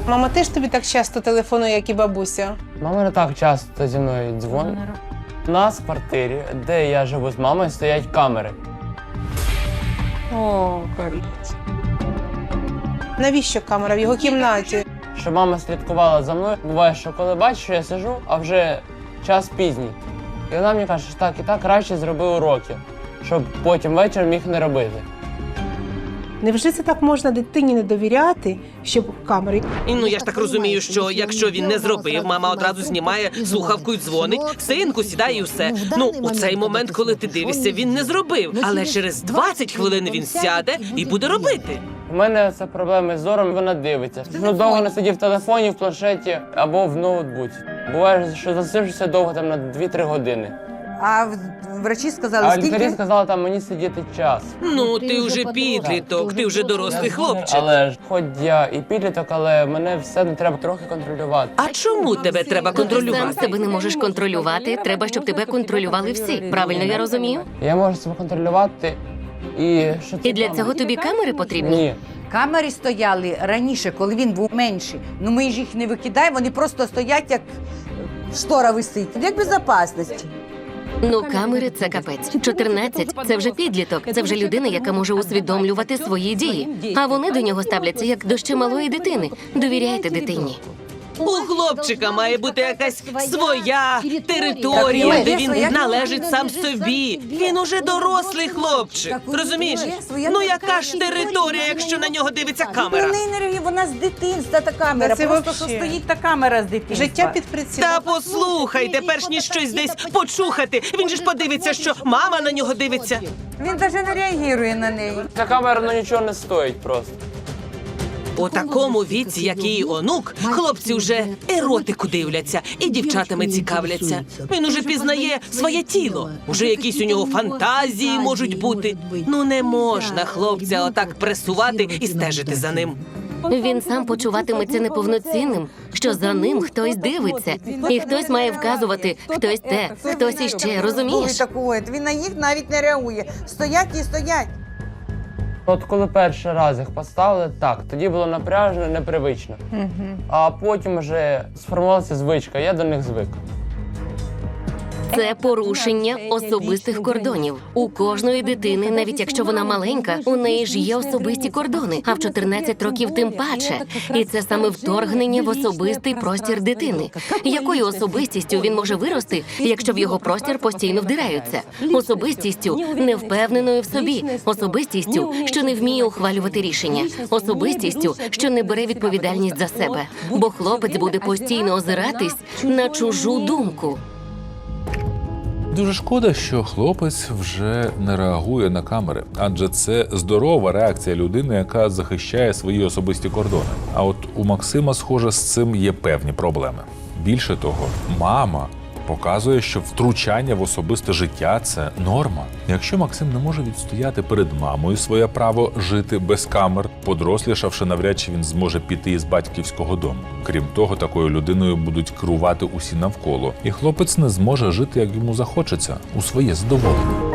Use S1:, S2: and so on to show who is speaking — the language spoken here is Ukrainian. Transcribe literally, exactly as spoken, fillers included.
S1: Мама теж тобі так часто телефонує, як і бабуся?
S2: Мама не так часто зі мною дзвонить. У нас в квартирі, де я живу з мамою, стоять камери.
S1: О, капець. Навіщо камера в його кімнаті?
S2: Щоб мама слідкувала за мною. Буває, що коли бачиш, що я сиджу, а вже час пізній. І вона мені каже, що так і так краще зроби уроки, щоб потім ввечері міг не робити.
S1: Невже це так можна дитині не довіряти, щоб камери?
S3: І, ну, я ж так розумію, що якщо він не зробив, мама одразу знімає слухавку і дзвонить, синку, сідає і все. Ну, у цей момент, коли ти дивишся, він не зробив. Але через двадцять хвилин він сяде і буде робити.
S2: У мене це проблеми з зором, вона дивиться. Ну, довго не сидів в телефоні, в планшеті або в ноутбуці. Буває, що засиджуся довго, там на дві-три години.
S4: А врачі сказали,
S2: А
S4: скільки?
S2: лікарі сказали, там мені сидіти час.
S3: Ну, ти вже підліток, ти вже дорослий хлопчик.
S2: Але ж, хоч я і підліток, але мене все одно треба трохи контролювати.
S3: А чому тебе треба
S5: Сам
S3: контролювати?
S5: себе не можеш контролювати, треба, щоб тебе контролювали всі. Правильно я розумію?
S2: Я можу себе контролювати і що це?
S5: І для цього тобі камери потрібні?
S2: Ні.
S4: Камери стояли раніше, коли він був менший. Ну ми ж їх не викидаємо, вони просто стоять, як штора висить. Як безпечності.
S5: Ну, камери – це капець. чотирнадцять – це вже підліток, це вже людина, яка може усвідомлювати свої дії. А вони до нього ставляться, як до ще малої дитини. Довіряйте дитині.
S3: У хлопчика має бути якась своя територія, де він належить сам собі. Він уже дорослий хлопчик. Розумієш? Ну яка ж територія, якщо на нього дивиться камера?
S4: Вона з дитинства та камера.
S1: Та це
S4: Просто що
S1: вообще.
S4: стоїть та камера з дитинства.
S1: Життя під прицілом.
S3: Та послухайте, перш ніж щось десь почухати, він же ж подивиться, що мама на нього дивиться.
S4: Він навіть не реагує на неї.
S2: Ця камера ну, нічого не стоїть просто.
S3: У такому віці, як її онук, хлопці вже еротику дивляться і дівчатами цікавляться. Він уже пізнає своє тіло. Уже якісь у нього фантазії можуть бути. Ну не можна хлопця отак пресувати і стежити за ним.
S5: Він сам почуватиметься неповноцінним, що за ним хтось дивиться. І хтось має вказувати, хтось те, хтось іще, розумієш?
S4: Такої. Він на їх навіть не реагує. Стоять і стоять.
S2: От коли перший раз їх поставили, так, тоді було напряжено, непривично. А потім вже сформувалася звичка, я до них звик.
S5: Це порушення особистих кордонів. У кожної дитини, навіть якщо вона маленька, у неї ж є особисті кордони, а в чотирнадцять років тим паче. І це саме вторгнення в особистий простір дитини. Якою особистістю він може вирости, якщо в його простір постійно вдираються? Особистістю невпевненою в собі, особистістю, що не вміє ухвалювати рішення, особистістю, що не бере відповідальність за себе. Бо хлопець буде постійно озиратись на чужу думку.
S6: Дуже шкода, що хлопець вже не реагує на камери, адже це здорова реакція людини, яка захищає свої особисті кордони. А от у Максима, схоже, з цим є певні проблеми. Більше того, мама показує, що втручання в особисте життя – це норма. Якщо Максим не може відстояти перед мамою своє право жити без камер, подорослішавши, навряд чи він зможе піти із батьківського дому. Крім того, такою людиною будуть керувати усі навколо, і хлопець не зможе жити, як йому захочеться, у своє задоволення.